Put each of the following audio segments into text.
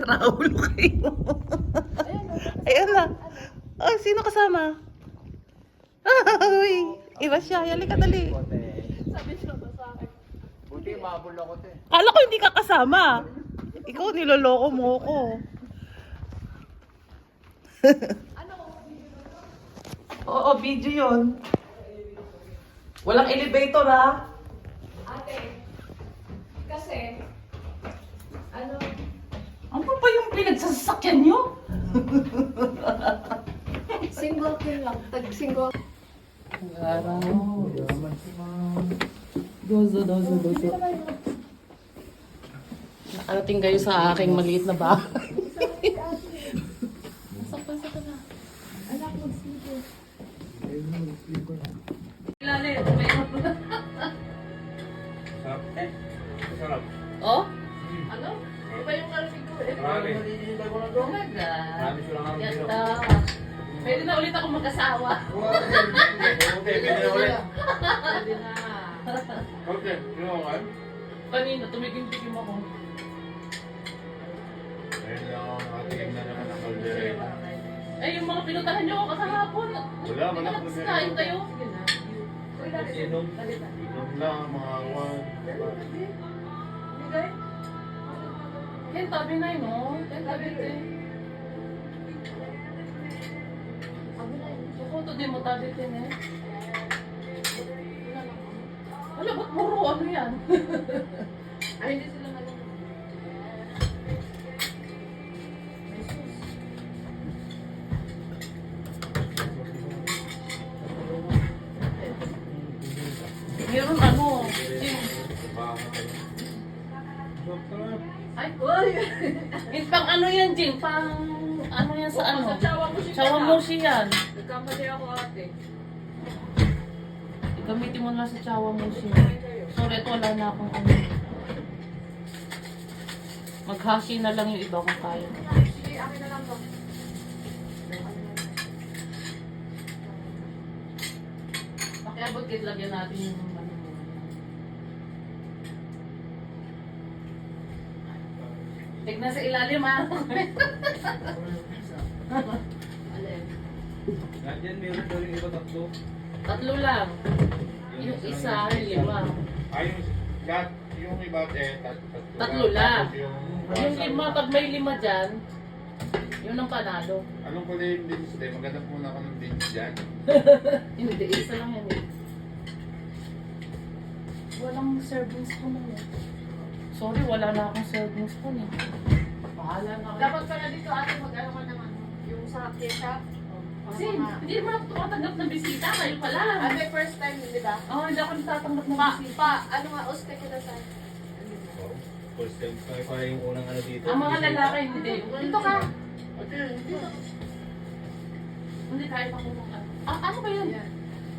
Nakaulo kayo. Ayan na. Oh, sino kasama? Uy, iba siya. Halika dali. Sabi siya ba sa akin? Buti mabul ako te. Kala ko hindi ka kasama. Ikaw, niloloko mo ko. Oo, video yun. Walang elevator, ha? Ate, kasi, ano, Ano pa yung pinagsasakyan nyo? single kill lang, tag-single. Araw. Dozo. Nakarating kayo sa aking maliit na bahay. Pasok ka na. Anak, mag-sleeper. Ilalim, may Sarap. Oh? Ano? Iba yung narinig ko eh. Marami. Talaga. Marami silang ang bilo. Yata. Pwede na ulit ako mag-asawa. Okay, pwede na ulit. Pwede na. Okay, sino ka kayo? Kanina, tumigim-tigim ako. Ayun lang ako nakatingin na naman ng kaldereta. Eh, yung mga pinutahan nyo ako kahapon. Wala. Kain kayo. Inom. Inom lang, mga awan. Bigay? Yan, tabi na yun, no? Yan, tabi na yun. Sukuto din mo, tabi din eh. Wala, ba't puro ano yan? Ay, hindi sila nalala. Meron ano, Jim. Ay, Uy! yung pang ano yan, Jim? Pang ano yan sa ano? Sa tsawa mo siya. Chawamushi yan. Nagkamali ako ate. Gamitin mo na sa chawamushi. Sorry, ito wala na akong ano. Maghashi na lang yung iba kung kaya. Sige, akin na lang to. Pakiabot kit lagyan natin yung ano. Tignan sa ilalim ha. Alin? Nandiyan, meron daw yung iba tatlo. Tatlo lang. Yung isa, lima. Ay, yung iba Tatlo lang. Tapos Yung lima, pag may lima dyan, yun ang panalo. Anong kulay yung beans day? Maghanap muna ako ng beans dyan. Hindi, isa lang yan eh. Walang serving spoon na yan. Sorry, wala na akong serving spoon eh. Bahala na kayo. Dapat pala dito ate mag-ano ka naman. Yung sa kesha. Kasi hindi naman ako tumatanggap ng bisita. Kayo pala. Ate, first time, di ba? Oo, hindi ako natatanggap ng bisita. Ano nga, uste ko na sa... First time tayo pa yung unang ano dito. Ang mga lalaki hindi. Dito ka. Dito. Hindi tayo pa pumunta. Ah, ano ba yun? Yan.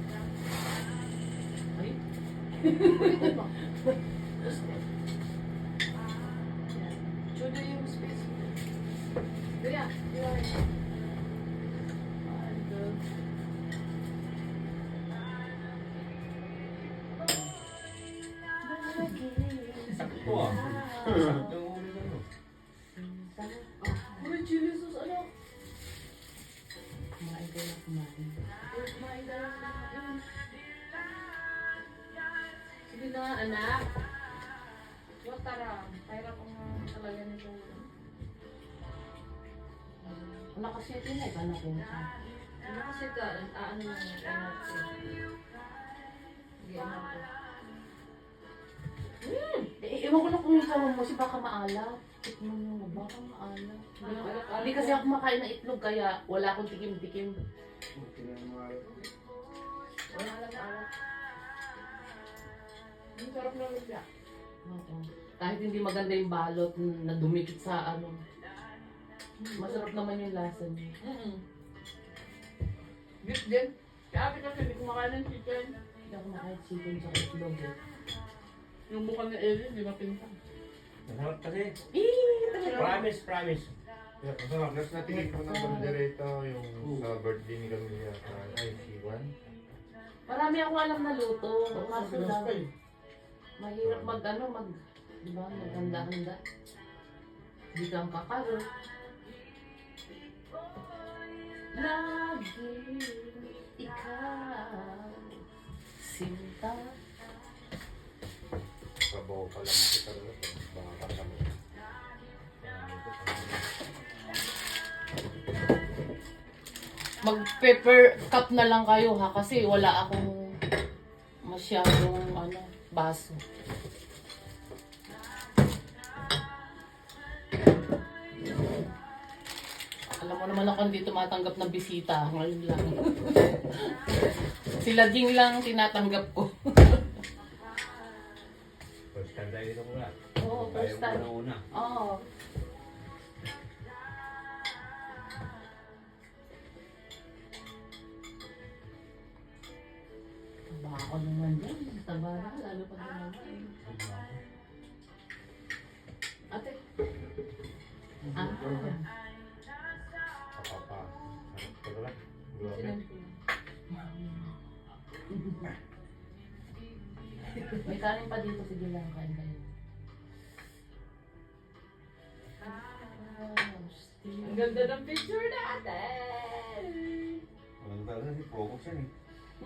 Ay, Dito mo. Uste. Chudo yung space. Kaya, di ba? Sakto ah. Sakto yung ulo na no. Uy, chili sauce, ano? kumain kayo, kumain. Kumain ka lang. Sige na, anak. Huwag tara. Hirap ang talaga nito. Ano kasi ito na, ikaw na punta. Ano kasi ka, ano lang yung anak ko. Sige, anak ko. Ewan ko na kung yung sawa mo, si baka maalat. Tikman mo, baka maalat. Hindi kasi ako makain ng itlog, kaya wala akong tikim-tikim. Wala lang alat. Ang sarap na lumpia. Oo. Kahit hindi maganda yung balot na dumikit sa ano. Masarap naman yung lasa niya. Beef din. Kaya kasi hindi kumakain ng chicken. Hindi ako makain chicken sa itlog eh. Yung mukha ni Ellie, di ba pinta? Masarap kasi. Talaga. Promise, promise. Yeah, masarap. Last natingin ko ng bandereta yung sa birthday ni Camilla. Ay, Siwan. Marami ako alam na luto. Kaso lang, mahirap mag, di ba, maghanda-handa. Di kang kakarot. Lagi ikaw sinta. Sabaw pa lang kita rin. Baka kami. Mag-pepper cup na lang kayo ha kasi wala akong masyadong baso. Alam mo naman ako hindi tumatanggap ng bisita ngayon lang. Sila Jing lang tinatanggap ko. First time tayo dito mula. Oo, first time. Una. Oo. Baka naman yan. Taba na, lalo pa naman. Ate. Ah. Kapapa. Ito lang. Grabe. Sinan ko. May kanin pa dito, sige lang, kain kayo. Ang ganda ng picture natin! Ano talaga si Focus yan eh.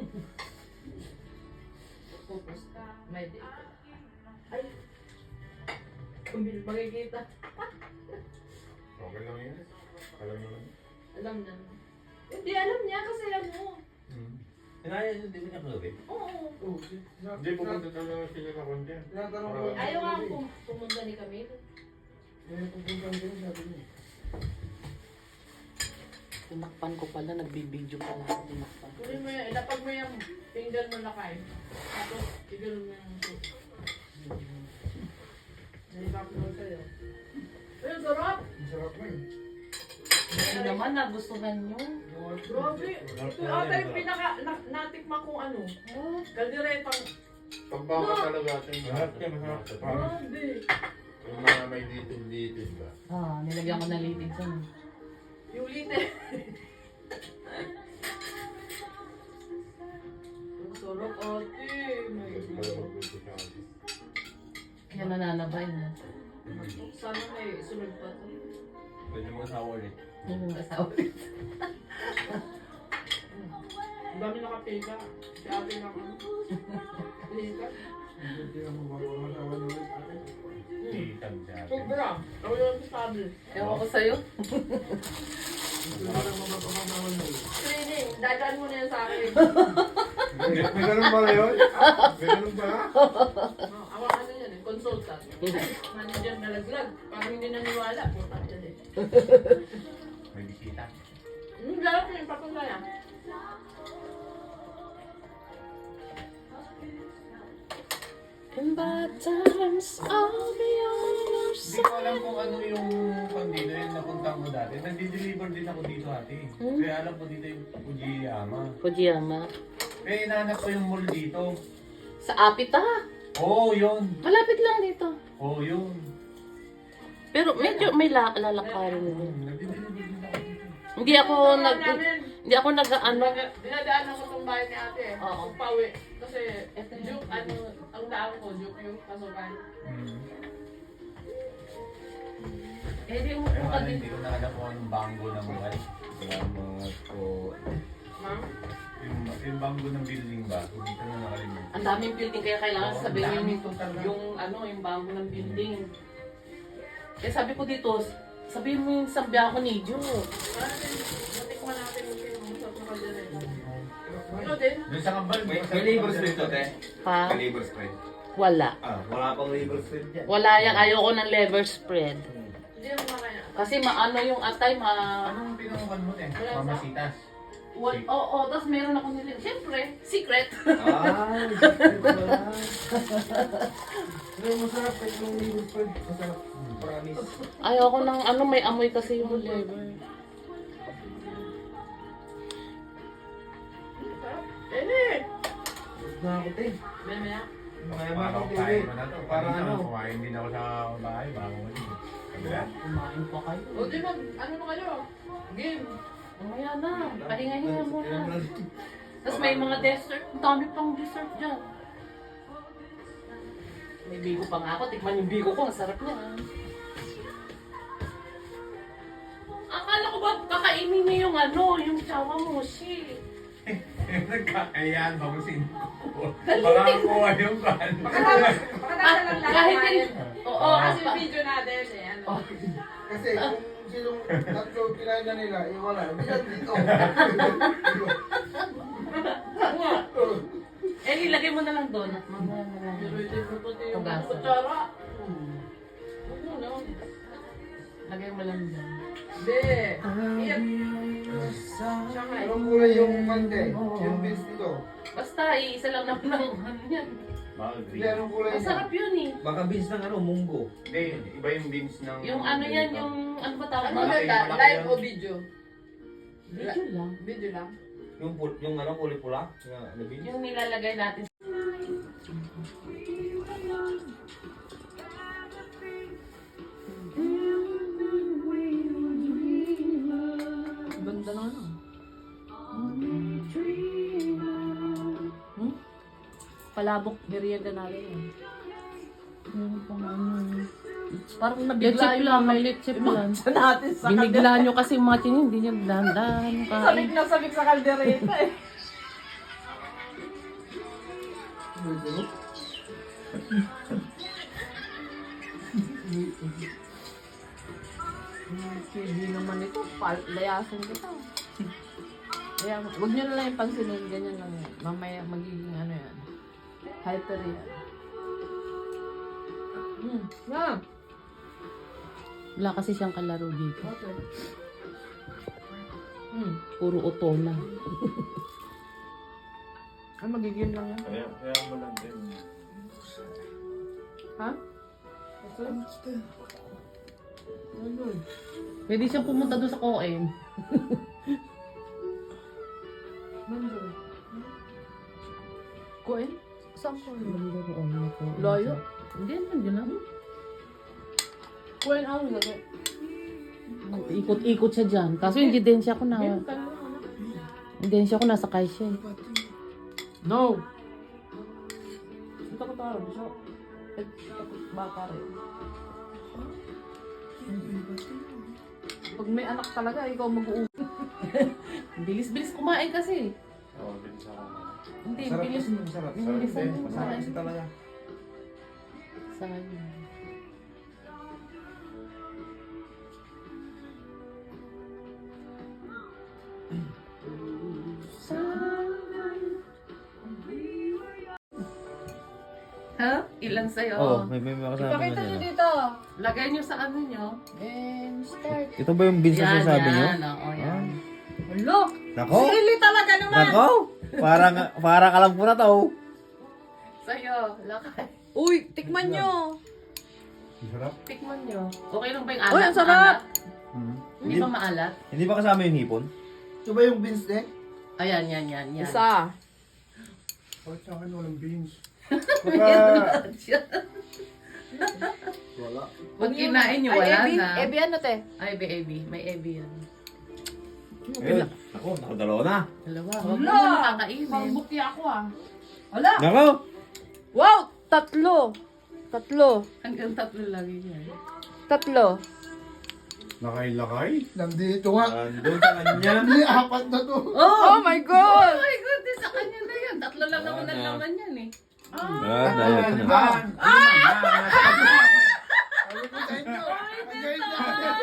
Focus. May date. Ay! Kumbil makikita. Okay lang yan. Alam mo lang. Alam na. Hindi, alam niya kasi ano. Tinaya yun, di ba niya clubin? Oo. Hindi, pupunta talaga sila sa kondya. Ayaw nga pumunta ni Camille. Tinakpan ko pala, nagbibideo pala ako tinakpan. Kunin mo yan, ilapag mo yung finger mo na kain. Tapos, igano mo yung soup. Nahihirap mo sa'yo. Ay, ang sarap! Hindi naman, nagustuhan nyo. Grabe! Ito ata yung pinaka natikman kong ano. Kaldiretang. Pagbaka talaga atin. Masarap yan, masarap. Grabe! Yung mga may litid-litid ba? Ah, nilagyan ko ng litid sa Yung lite. Ang sarap ate. My Kasi pala God. magluto siya kasi. Kaya nananabay na. Sana may sunod pa to. Pwede mo asawa ulit. Yung asawa. Ang dami nakapika. Si ate na ano. Pika. Titag siya. Sobra. Ako yung sabi. Ewan ko sa'yo. Training. Dadaan mo na yan sa akin. May ganun ba yun? May ganun ba? Ako ano yan eh. Consultant. Manager na laglag. Parang hindi naniwala. Puta yan eh. May bisita. Larap yung papunta yan. In bad times, I'll be on your Hindi ko alam kung ano yung pandito yung napunta ko dati. Nandi-deliver din ako dito ate. Kaya alam ko dito yung Fujiyama. Fujiyama. Kaya hinahanap ko yung mall dito. Sa Apita. Oo, yun. Malapit lang dito. Oo, yun. Pero medyo may lalakarin din. Nandi-deliver din ako dito. Hindi ako nag-ano. Dinadaanan ko tong bahay ni ate eh. Oo. Kung pauwi. Kasi, joke, ano, ang daan ko, joke yung pasukan. Eh, di Kaya umupo ka nga din. hindi ko na alam kung anong banggo ng mga Ma'am? yung banggo ng building ba? Hindi ko na nakalimutan. Ang daming building kaya kailangan Oo, sabihin ang dami yung, total na. yung bangko ng building. Eh sabi ko dito, sabihin mo yung Sambiaco Nijo. Natikman natin yung masarap na kaldereta. Ano din? Doon sa kambal, May labor spread to, te? Ha? May labor spread. Wala. Wala pang labor spread dyan. Wala yan. Ayoko ng liver spread. Hindi mo makaya. Kasi maano yung atay, Anong pinangukan mo, te? Wala sa- Mamasitas. Oo, tapos meron ako nilin. Siyempre, secret. Ah, wala. Pero masarap yung labor spread. Masarap. Promise. Ayoko ng may amoy kasi yung liver. Sarap. Eh! Na ako, te. Mamaya. Kaya Parang mga kain mo na to. Parang Kanina, ano? kumain din ako sa bahay bago mo din. Kabila? Kumain pa kayo. O di mag, ano na kayo? Game. Mamaya na. Pahinga-hinga muna. Tapos may mga dessert. Ang dami pang dessert dyan. May bigo pa nga ako. Tikman yung bigo ko. Ang sarap niya. kainin niya yung ano, yung chawamushi. Nagkakayaan, bagusin ko. Baka kuha yung kan. Kahit yun, oo, Kasi yung video natin eh, ano. Kasi kung sinong tatlo kinain na nila, wala. Hindi na dito. eh, ilagay mo na lang doon. Mamaya na lang. Pero hindi mo pati yung Tugasan. kutsara. Huwag mo na. Lagay mo lang doon. Hindi. Iyan. Siya nga eh. Anong kulay yung mante? Yung beans dito. Basta, isa lang naman ang ano yan. Baka Hindi, green. anong kulay niya? Masarap yun eh. Baka beans ng ano, munggo. Hindi, iba yung beans ng... Yung ano yan, yung ano ba tawag? Ano Malaki, ba? malaki Live yan. o video? Video lang. Video lang. Yung ano, kulay pula. Yung ano, beans. Yung nilalagay natin. Ganda na ano. Palabok, merienda natin yan. Parang Lechip nabigla yung lang, may lechip lang. Sa natin sa Binigla nyo kasi yung mga chinin, hindi nyo dahan-dahan Sabik kain. na sabik sa kaldereta eh. Hindi naman ito, layasin kita. Kaya, huwag nyo na lang yung pansinin, ganyan lang yan. Mamaya magiging ano yan. Hyper yan. Yeah. Wala kasi siyang kalaro dito. Okay. Puro otola. Ay, magiging lang yan. Kaya mo lang din. Ha? Pwede siyang pumunta doon sa Coen. Kuin? Saan ko? Layo? Hindi, nandiyan lang. Kuin ako lagi. Ikot-ikot siya dyan. Kaso yung didensya ko na. Yung didensya ko nasa siya eh. No! Ito ko taro. So, baka rin. Pag may anak talaga, ikaw mag-uwi. Bilis-bilis kumain kasi. Oo, bilis ako. Hindi, Masarap bilis. kasi, masarap. Yung bilisan din. mo Masarap kumain. kasi talaga. Sa kanya. Ha? Ilan sa'yo? Oo, may makasama Pakita na nyo yan. dito. Lagay nyo sa ano nyo. And start. Ito ba yung beans na sinasabi nyo? Oo, yan. Look! Nako! Sili talaga naman! Nako! Parang alam ko na to. Sa'yo, lakay. Uy, tikman nyo! Sarap. Tikman nyo. Okay lang ba yung alat? Uy, ang sarap! Hindi ba maalat? Hindi ba kasama yung hipon? Ito ba yung beans eh? Ayan, yan. Isa. Bakit sa akin walang beans? Wala. Pag kinain nyo, wala na. Ebi ano te? Ay, Ebi. May Ebi yan. Ayun. Nako, nakadalawa na. Dalawa. Huwag mo na nakakainin. Pangbuki ako ah. Wala! Nako! Wow! Tatlo! Hanggang 3 lagi yan. Tatlo. Lakay-lakay? Nandito nga. Andun sa kanya. Hindi, apat na to. Oh my Oh God! my goodness, sa kanya na yan. 3 lang naman ang laman yan eh. Dahil ko na. Sabi ko sa inyo. Ang galing na.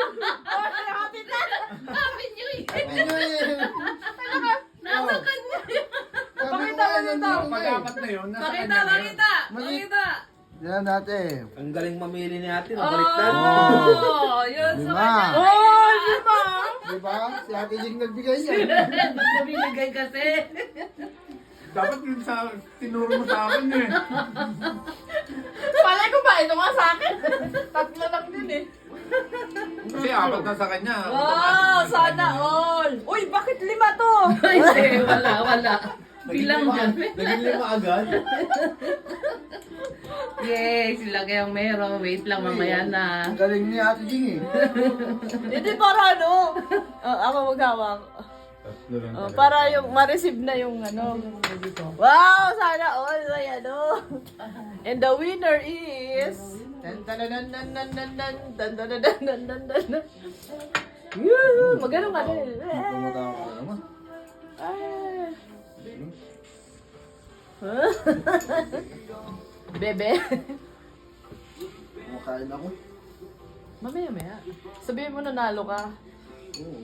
Sabi nyo eh. Sabi nyo eh. Nasa kanya yun. Sabi ko Pakita nga, mo dito. nandito nga eh. Pag-apat na yun, nasa Pakita, kanya na yun. pakita. Yan natin. Ang galing mamili ni ate. Nabaliktad. Oh, yun sa Lima. kanya. Oh, lima! Diba? Si Ate Jing nagbigay niya. Nabinigay kasi. Dapat yun sa tinuro mo sa akin eh. Palay ko ba? Ito nga sa akin. Tatlo lang din eh. Kasi apat na sa kanya. Wow! Sana all! Uy, bakit lima to? Ay, hindi, wala. Bilang dyan. Naging lima agad. Yay, sila kayang meron. Wait lang, mamaya na. Ang galing ni Ate Jing eh. Hindi para ano? Ako maghawak. Tatlo lang talaga. Para yung ma-receive na yung ano. Wow! Sana all! Ay ano. And the winner is... Dan dan dan dan dan dan dan dan dan dan dan dan dan dan. Yuhu! Magano ka din. Tumatawa ka naman. Ah. Bebe. Kumakain ako. Mamaya. Sabihin mo nanalo ka. Oo.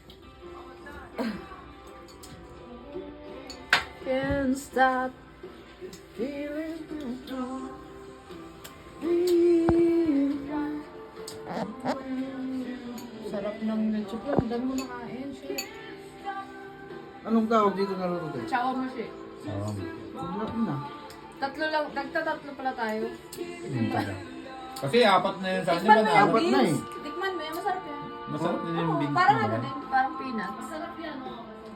Can't stop feeling. Sarap ng leche plan. Ang dami mo nakain. Shit. Anong tawag dito na luto tayo? Chow mo siya. Sarap na. Nagtatatlo pala tayo. Kasi apat na yun sa akin, Tikman di mo ba? yung Dapat na beans. eh. Tikman mo yan. Masarap yan. Masarap din yung beans. Parang di ano ba? din. Parang peanuts. Masarap yan, oh.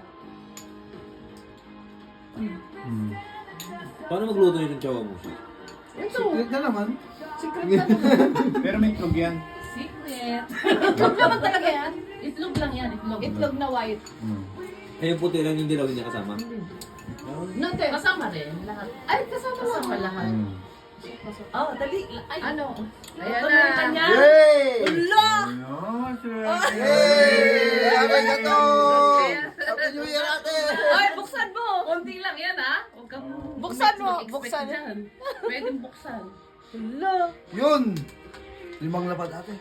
Paano magluto yun ng chawamushi? Ito. Secret na naman. Secret na naman. Pero may itlog yan. Secret. Itlog naman talaga yan. Itlog lang yan, itlog. Itlog na white. Eh, yung puti lang yung dilaw niya kasama. Nante. Kasama rin, lahat. Ay, kasama Kasama lang. lahat. Oh, dali. Ay, Ano? Ayan Ito na. na kanya. Yay! Ulo! Yay! Happy ka to! Happy New Year natin! Ay, buksan mo. Konti lang yan, ha? Huwag kang Buksan mo, mag-expect buksan. dyan. Pwedeng buksan. Ulo. Yun! 5 lapad ate.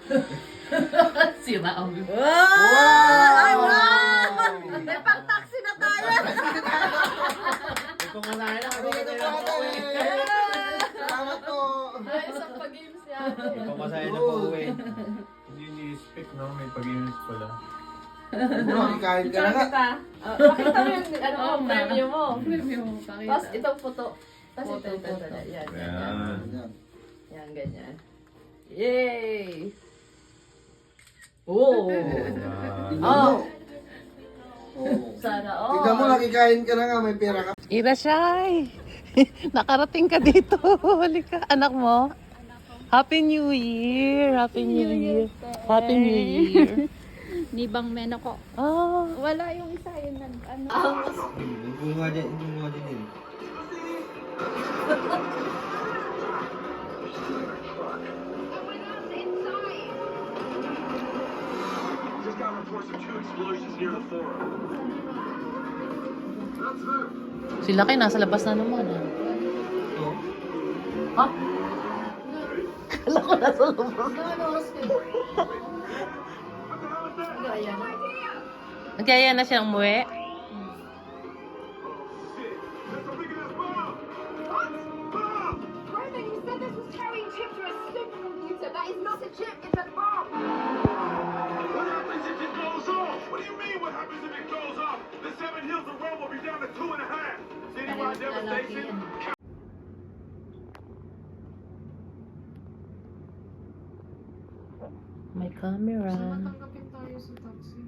Sira ang Ay, wow! May pang-taxi na tayo. Pumanahin na Happy ka to ate! Salamat po! Ay, isang pag-games niya. Pamasahin na po uwi. Hindi ni-speak, no? May pag-inis pala. Makikain ka na nga. Pakita mo yung ano mo, Oo nga. premyo mo. Premium mo, pakita. Tapos itong photo. Tapos Photo, itong photo. photo. Yan, yan. Ayan. Ayan. Yan, ganyan. Yay! Oh! Tignan Oh. mo. Sana all. Tignan mo, nakikain ka na nga. May pera ka. Irashay! Nakarating ka dito. Halika, anak mo. Happy New Year! Happy New Year! Happy New Year! Nibang men ako. Oh, Wala yung isa yun na ano. Hindi mo nga dyan yun. Just got reports of 2 explosions near the forum. Sila kayo nasa labas na naman, ha? Oo. Ha? Kala ko nasa labas. nagyaya na siyang umuwi. That's a big ass bomb! Bomb! Roman, you said this was carrying chips for a supercomputer. That is not a chip, it's a bomb. What happens if it goes off? What do you mean what happens if it goes off? The 7 hills of Rome will be down to 2.5. Citywide devastation. May camera. Tanggapin tayo sa taxi.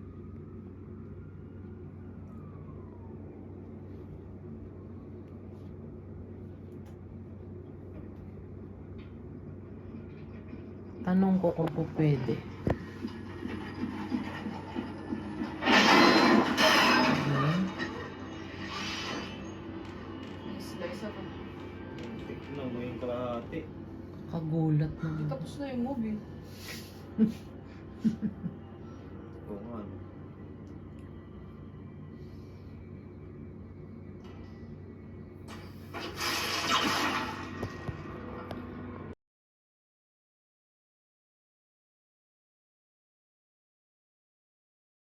Tanong ko kung po pwede. Slice ako. Tignan mo yung kalahati. Kagulat naman. Tapos na yung movie.